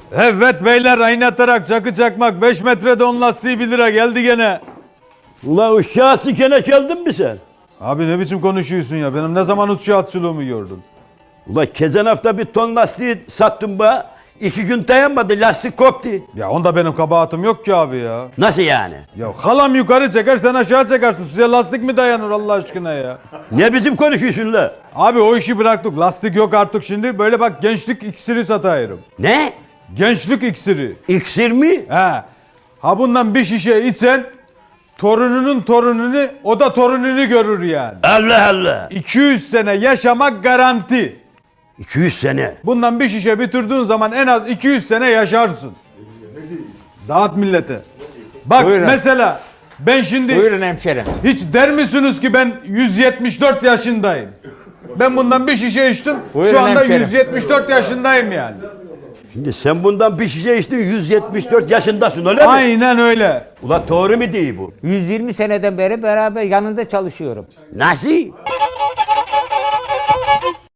Evet beyler, aynatarak çakı çakmak 5 metrede 10 lastiği 1 lira geldi gene. Ula uşağı sikene geldin mi sen? Abi ne biçim konuşuyorsun ya? Benim ne zaman uçuşatçılığımı gördün? Ula kezen hafta bir ton lastiği sattım be. 2 gün dayanmadı, lastik koptu. Ya onda benim kabahatim yok ki abi ya. Nasıl yani? Ya halam yukarı çeker, sen aşağı çekersin. Size lastik mi dayanır Allah aşkına ya? Ne bizim konuşuyorsun la? Abi o işi bıraktık. Lastik yok artık şimdi. Böyle bak, gençlik iksiri satayım. Ne? Gençlik iksiri. İksir mi? He. Ha bundan bir şişe içsen torununun torununu, o da torununu görür yani. Allah Allah. 200 sene yaşamak garanti. 200 sene. Bundan bir şişe bitirdiğin zaman en az 200 sene yaşarsın. Dağıt millete. Bak Buyurun. mesela ben şimdi Buyurun hemşerim. hiç der misiniz ki ben 174 yaşındayım. Ben bundan bir şişe içtim. Buyurun Şu anda hemşerim. 174 yaşındayım yani. Şimdi sen bundan bir şişe içtin, 174 yaşındasın öyle mi? Aynen öyle. Ula doğru mu değil bu? 120 seneden beri beraber yanında çalışıyorum. Nasıl?